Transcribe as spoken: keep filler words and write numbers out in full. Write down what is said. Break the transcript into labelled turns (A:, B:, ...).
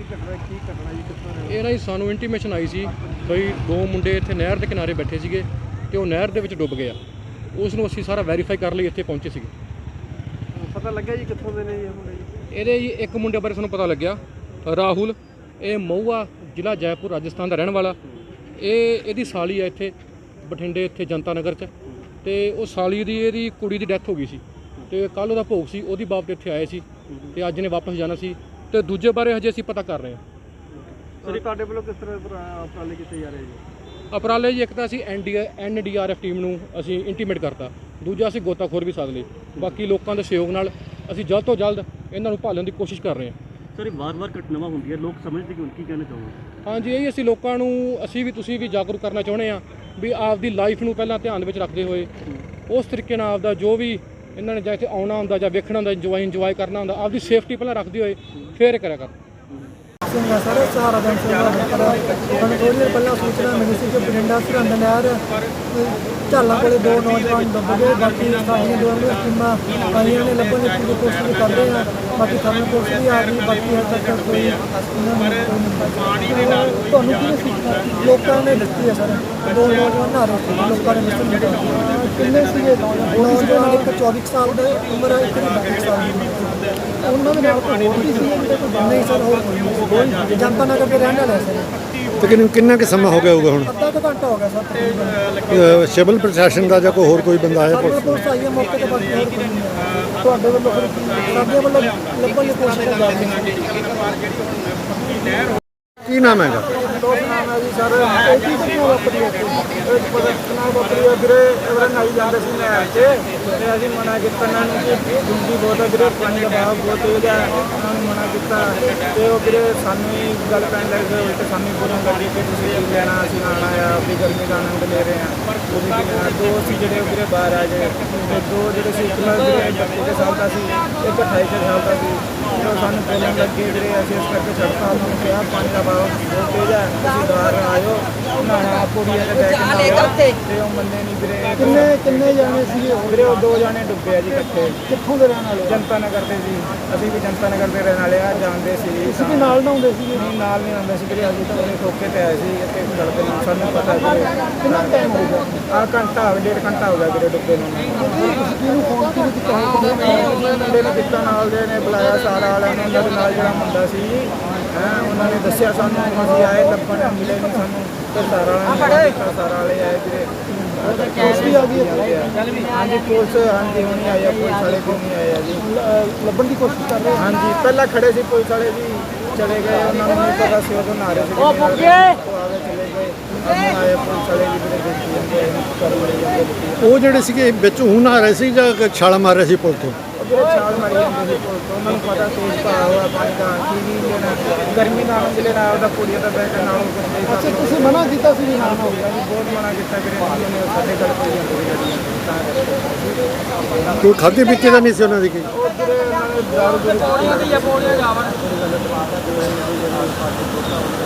A: ਘਟਨਾ ਕੀ ਘਟਨਾ ਜੀ ਕਿੱਥੋਂ
B: ਇਹ ਨਾ ਜੀ ਸਾਨੂੰ ਇੰਟੀਮੇਸ਼ਨ ਆਈ ਸੀ ਬਈ ਦੋ ਮੁੰਡੇ ਇੱਥੇ ਨਹਿਰ ਦੇ ਕਿਨਾਰੇ ਬੈਠੇ ਸੀਗੇ ਤੇ ਉਹ ਨਹਿਰ ਦੇ ਵਿੱਚ ਡੁੱਬ ਗਿਆ। ਉਸ ਨੂੰ ਅਸੀਂ ਸਾਰਾ ਵੈਰੀਫਾਈ ਕਰਨ ਲਈ ਇੱਥੇ ਪਹੁੰਚੇ ਸੀਗੇ।
A: ਪਤਾ ਲੱਗਿਆ ਜੀ ਕਿੱਥੋਂ ਦੇ ਨੇ ਜੀ ਇਹ ਮੁੰਡੇ ਜੀ?
B: ਇਹਦੇ ਜੀ ਇੱਕ ਮੁੰਡੇ ਬਾਰੇ ਸਾਨੂੰ ਪਤਾ ਲੱਗਿਆ, ਰਾਹੁਲ, ਇਹ ਮਹੂਆ ਜ਼ਿਲ੍ਹਾ ਜੈਪੁਰ ਰਾਜਸਥਾਨ ਦਾ ਰਹਿਣ ਵਾਲਾ। ਇਹ ਇਹਦੀ ਸਾਲੀ ਹੈ ਇੱਥੇ ਬਠਿੰਡੇ ਇੱਥੇ ਜਨਤਾ ਨਗਰ 'ਚ, ਤੇ ਉਹ ਸਾਲੀ ਦੀ ਇਹਦੀ ਕੁੜੀ ਦੀ ਡੈਥ ਹੋ ਗਈ ਸੀ ਤੇ ਕੱਲ੍ਹ ਉਹਦਾ ਭੋਗ ਸੀ, ਉਹਦੀ ਬਾਪ ਇੱਥੇ ਆਏ ਸੀ ਤੇ ਅੱਜ ਨੇ ਵਾਪਸ ਜਾਣਾ ਸੀ। ਤੇ ਦੂਜੇ ਬਾਰੇ ਹਜੇ ਅਸੀਂ ਪਤਾ ਕਰ ਰਹੇ ਹਾਂ।
A: ਸਰ ਤੁਹਾਡੇ ਵੱਲੋਂ ਕਿਸ ਤਰ੍ਹਾਂ ਉਪਰਾਲੇ ਕੀਤੇ ਜਾ ਰਹੇ ਜੀ?
B: ਉਪਰਾਲੇ ਜੀ ਇੱਕ ਤਾਂ ਅਸੀਂ N D N D R F team ਨੂੰ ਅਸੀਂ ਇੰਟੀਮੇਟ ਕਰਤਾ, ਦੂਜਾ ਅਸੀਂ ਗੋਤਾਖੋਰ ਵੀ ਸਾਧ ਲਈ। ਬਾਕੀ ਲੋਕਾਂ ਦੇ ਸਹਿਯੋਗ ਨਾਲ ਅਸੀਂ ਜਲਦ ਤੋਂ ਜਲਦ ਇਹਨਾਂ ਨੂੰ ਭਾਲਣ ਦੀ ਕੋਸ਼ਿਸ਼ ਕਰ ਰਹੇ ਹਾਂ।
A: ਸਰ ਇਹ ਵਾਰ-ਵਾਰ ਘਟਨਾਵਾਂ ਹੁੰਦੀਆਂ, ਲੋਕ ਸਮਝਦੇ ਕਿ ਹੁਣ ਕੀ ਕਹਿਣਾ ਚਾਹੁੰਦੇ?
B: ਹਾਂਜੀ, ਇਹੀ ਅਸੀਂ ਲੋਕਾਂ ਨੂੰ ਅਸੀਂ ਵੀ ਤੁਸੀਂ ਵੀ ਜਾਗਰੂਕ ਕਰਨਾ ਚਾਹੁੰਦੇ ਹਾਂ ਵੀ ਆਪਦੀ ਲਾਈਫ ਨੂੰ ਪਹਿਲਾਂ ਧਿਆਨ ਵਿੱਚ ਰੱਖਦੇ ਹੋਏ ਉਸ ਤਰੀਕੇ ਨਾਲ ਆਪਦਾ ਜੋ ਵੀ ਇਹਨਾਂ ਨੇ ਜਾਂ ਇੱਥੇ ਆਉਣਾ ਹੁੰਦਾ ਜਾਂ ਵੇਖਣਾ ਹੁੰਦਾ, ਇੰਜੋਏ ਇੰਜੋਏ ਕਰਨਾ ਹੁੰਦਾ, ਆਪਦੀ ਸੇਫਟੀ ਪਹਿਲਾਂ ਰੱਖਦੇ ਹੋਏ ਫਿਰ ਕਰਿਆ ਕਰ।
C: ਸਿੰਘਾ ਸਰ ਸਹਾਰਾ ਬੈਂਕ ਸੇਵਾ ਕਰ ਸਾਨੂੰ ਥੋੜ੍ਹੀ ਦੇਰ ਪਹਿਲਾਂ ਸੂਚਨਾ ਮਿਲੀ ਸੀ ਕਿ ਬਠਿੰਡਾ ਸਰਹੰਦ ਨਹਿਰ ਝਾਲਾਂ ਕੋਲੇ ਦੋ ਨੌਜਵਾਨ ਡੁੱਬ ਗਏ। ਬਾਕੀ ਸਾਡੀਆਂ ਦੋ ਟੀਮਾਂ ਆਈਆਂ ਨੇ, ਲੱਭਣ ਦੀ ਪੂਰੀ ਕੋਸ਼ਿਸ਼ ਕਰ ਰਹੇ ਹਾਂ। ਬਾਕੀ ਸਾਨੂੰ ਪੁਲਿਸ ਵੀ ਆ ਗਈ, ਬਾਕੀ ਹਜੇ ਤੱਕ ਕੋਈ ਉਹਨਾਂ ਨੂੰ ਤੁਹਾਨੂੰ ਕਿਹਨੇ ਸੂਚਨਾ ਲੋਕਾਂ ਨੇ ਦਿੱਤੀ ਹੈ? ਸਰ ਦੋ ਨੌਜਵਾਨ ਨਹਾ ਰਹੇ ਸੀ, ਲੋਕਾਂ ਨੇ ਦੱਸਿਆ। ਕਿੰਨੇ ਸੀਗੇ ਨੌਜਵਾਨ? ਇੱਕ ਚੌਵੀ ਸਾਲ ਦੀ ਉਮਰ ਹੈ, ਇੱਕ ਬਾਈ ਸਾਲ ਦੀ। ਉਹਨਾਂ ਦੇ ਨਾਲ ਕੋਈ ਹੋਰ ਵੀ ਸੀ? ਨਹੀਂ ਸਰ, ਹੋਰ ਕੋਈ ਜਨਤਾ ਨਗਰ ਦੇ ਰਹਿਣ ਵਾਲੇ ਸਰ।
D: ਤਕਰੀਬਨ ਕਿੰਨਾ ਕੁ ਸਮਾਂ ਹੋ ਗਿਆ ਹੋਊਗਾ ਹੁਣ?
C: ਅੱਧਾ ਕੁ ਘੰਟਾ ਹੋ ਗਿਆ ਸਰ ਤਕਰੀਬਨ।
D: ਸਿਵਲ ਪ੍ਰਸ਼ਾਸਨ ਦਾ ਜਾਂ ਕੋਈ ਹੋਰ ਕੋਈ ਬੰਦਾ ਆਇਆ?
C: ਸਾਡੇ ਕੋਲ ਆਈ ਹੈ ਮੌਕੇ ਤੇ, ਬਾਕੀ ਹੋਰ ਕੋਈ ਨਹੀਂ ਆਇਆ। ਤੁਹਾਡੇ ਵੱਲੋਂ ਫਿਰ ਸਾਡੇ ਵੱਲੋਂ ਲੱਭਣ ਦੀ ਕੋਸ਼ਿਸ਼ ਕਰ ਰਹੇ ਹਾਂ।
D: ਕੀ ਨਾਮ ਹੈਗਾ?
C: ਦੋਸਤ ਨਾਮ ਹੈ ਜੀ ਸਰ। ਇਹ ਕੀ ਘਟਨਾ ਵਾਪਰੀ ਹੈ? ਇਹ ਘਟਨਾ ਵਾਪਰੀ ਹੈ ਵੀਰੇ, ਇਹਦੇ ਨਾਲ ਹੀ ਜਾਂਦੇ ਸੀ ਨਹਿਰ 'ਚ ਤੇ ਅਸੀਂ ਮਨਾ ਕੀਤਾ ਇਹਨਾਂ ਨੂੰ ਕਿ ਡੂੰਘੀ ਬਹੁਤ ਹੈ ਵੀਰੇ, ਪਾਣੀ ਦਾ ਬਹਾਅ ਬਹੁਤ ਤੇਜ਼ ਹੈ। ਉਹਨਾਂ ਨੂੰ ਮਨਾ ਕੀਤਾ ਤੇ ਉਹ ਵੀਰੇ ਸਾਨੂੰ ਹੀ ਗੱਲ ਪੈਣ ਲੱਗ ਗਏ, ਉਲਟ ਸਾਨੂੰ ਹੀ ਬੋਲਣ ਲੱਗੇ ਕਿ ਤੁਸੀਂ ਕੀ ਲੈਣਾ, ਅਸੀਂ ਆਉਣਾ ਆ, ਆਪਣੀ ਗਰਮੀ ਦਾ ਆਨੰਦ ਲੈ ਰਹੇ ਹਾਂ। ਤੁਸੀਂ ਕੀ ਲੈਣਾ? ਦੋ ਸੀ ਜਿਹੜੇ ਉਹ ਵੀਰੇ ਬਾਹਰ ਆ ਗਏ ਤੇ ਦੋ ਜਿਹੜੇ ਸੀ ਇੱਕ ਨਾਲ ਵੀਰੇ ਬੱਤੀ ਸਾਲ ਦਾ ਸੀ, ਇੱਕ ਅਠਾਈ ਸਾਲ ਦਾ ਸੀ। ਉਹ ਸਾਨੂੰ ਬੋਲਣ ਲੱਗੇ ਵੀਰੇ, ਅਸੀਂ ਇਸ ਕਰਕੇ ਛੱਡਤਾ। ਉਹਨਾਂ ਨੂੰ ਕਿਹਾ ਪਾਣੀ ਦਾ ਬਹਾਅ ਬਹੁਤ ਤੇਜ਼ ਹੈ, ਤੁਸੀਂ ਬਾਹਰ ਆਇਓ, ਨਹਾਣਾ ਪੂਰੀ ਤੇ ਬੈਠ ਕੇ ਤੇ ਉਹ ਮੰਨੇ ਨਹੀਂ ਵੀਰੇ। ਕਿੰਨੇ ਕਿੰਨੇ ਜਾਣੇ ਸੀਗੇ
A: ਵੀਰੇ ਉਹ ਦੋ ਜਾਣੇ ਡੁੱਬੇ ਆ ਜੀ ਇਕੱਠੇ।
C: ਕਿੱਥੋਂ ਦੇ ਰਹਿਣ ਵਾਲੇ?
A: ਜਨਤਾ ਨਗਰ ਦੇ ਸੀ, ਅਸੀਂ ਵੀ ਜਨਤਾ ਨਗਰ ਦੇ ਰਹਿਣ ਵਾਲੇ ਆ, ਜਾਣਦੇ ਸੀ।
C: ਤੁਸੀਂ ਵੀ ਨਾਲ ਨਹਾਉਂਦੇ ਸੀਗੇ?
A: ਨਹੀਂ ਨਾਲ ਨਹੀਂ ਆਉਂਦੇ ਸੀ ਵੀਰੇ, ਅਸੀਂ ਤਾਂ ਉਹਨੇ ਠੋਕੇ ਤੇ ਆਏ ਸੀ ਇੱਥੇ ਗੱਲ ਤੇ ਨਾਲ ਸਾਨੂੰ ਪਤਾ ਸੀ।
C: ਕਿੰਨਾ ਟਾਈਮ ਹੋ ਗਿਆ?
A: ਆਹ ਘੰਟਾ ਹੋ ਗਿਆ, ਡੇਢ ਘੰਟਾ ਹੋ ਗਿਆ ਵੀਰੇ ਡੁੱਬੇ ਨੂੰ।
C: ਕਿਹਨੂੰ ਫੋਨ ਕਿਹਨੂੰ ਕੀਤਾ?
A: ਮੁੰਡੇ ਨੇ ਕੀਤਾ, ਨਾਲ ਦੇ ਨੇ ਬੁਲਾਇਆ ਸਾਰਾ ਵਾਲਿਆਂ ਨੇ, ਉਹਨਾਂ ਦੇ ਨਾਲ ਜਿਹੜਾ ਮੁੰਡਾ ਸੀ ਹੈਂ ਉਹਨਾਂ ਨੇ ਦੱਸਿਆ ਸਾਨੂੰ। ਅਸੀਂ ਆਏ ਲੱਭਣ, ਮਿਲੇ ਨਹੀਂ ਸਾਨੂੰ ਤੇ ਸਾਰਾ ਵਾਲਿਆਂ ਨੇ ਕੀਤਾ, ਸਾਰਾ ਵਾਲੇ ਆਏ ਵੀਰੇ।
C: ਪੁਲਿਸ ਵੀ ਆ ਗਈ ਹੈ?
A: ਹਾਂਜੀ ਪੁਲਿਸ, ਹਾਂਜੀ ਹੁਣੀ ਆਈ ਆ, ਪੁਲਿਸ ਵਾਲੇ ਵੀ ਨਹੀਂ ਆਏ ਆ ਜੀ।
C: ਲੱਭਣ ਦੀ ਕੋਸ਼ਿਸ਼ ਕਰ ਰਹੇ ਹਾਂ।
A: ਹਾਂਜੀ ਪਹਿਲਾਂ ਖੜੇ ਸੀ ਪੁਲਿਸ ਵਾਲੇ ਜੀ, ਚਲੇ ਗਏ, ਉਹਨਾਂ ਨੂੰ ਨਹੀਂ ਪਤਾ ਸੀ, ਉਦੋਂ ਨਹਾ ਰਹੇ ਸੀ। ਉਹ ਆਗੇ ਚਲੇ ਗਏ, ਅਸੀਂ ਆਏ ਪੁਲਿਸ ਵਾਲੇ ਜੀ ਵੀਰੇ, ਦੇਖੀ ਜਾਂਦੇ ਕਰ ਮਰੇ ਜਾਂਦੇ।
D: ਉਹ ਜਿਹੜੇ ਸੀਗੇ ਵਿੱਚ ਹੁਣ ਆ ਰਹੇ ਸੀ ਜਾਂ ਛਾਲਾ ਮਾਰ ਰਹੇ ਸੀ ਪੁਲ ਤੋਂ?
A: ਜਿਹੜੇ ਛਾਲ ਮਾਰੀ ਜਾਂਦੇ ਸੀ ਪੁਲਿਸ ਤੋਂ, ਉਹਨਾਂ ਨੂੰ ਪਤਾ ਤੇਜ਼ ਭਾਅ ਹੋਇਆ ਪਾਣੀ ਦਾ, ਕੀ ਵੀ ਲੈਣਾ, ਗਰਮੀ ਦਾ ਆਨੰਦ ਲੈਣਾ, ਉਹਦਾ ਕੁੜੀਆਂ ਦਾ ਬੈਠ ਨਾਲ ਕੁਝ ਨਹੀਂ।
C: ਅੱਛਾ, ਤੁਸੀਂ ਮਨਾ ਕੀਤਾ ਸੀ ਵੀ ਨਾ ਹੋ ਗਿਆ?
A: ਬਹੁਤ ਮਨਾ ਕੀਤਾ ਵੀਰੇ, ਉਹਨਾਂ ਨੇ ਸਾਡੇ ਗੱਲ ਪਈ ਜਾਂਦੀ ਸੀ।
D: ਕੋਈ ਖਾਧੇ ਪੀਤੇ ਦਾ ਨਹੀਂ ਸੀ ਉਹਨਾਂ ਦੀ? ਕੋਈ
A: ਉਹ ਵੀਰੇ ਉਹਨਾਂ ਨੇ ਦਾਰੂ ਦੂਰੂ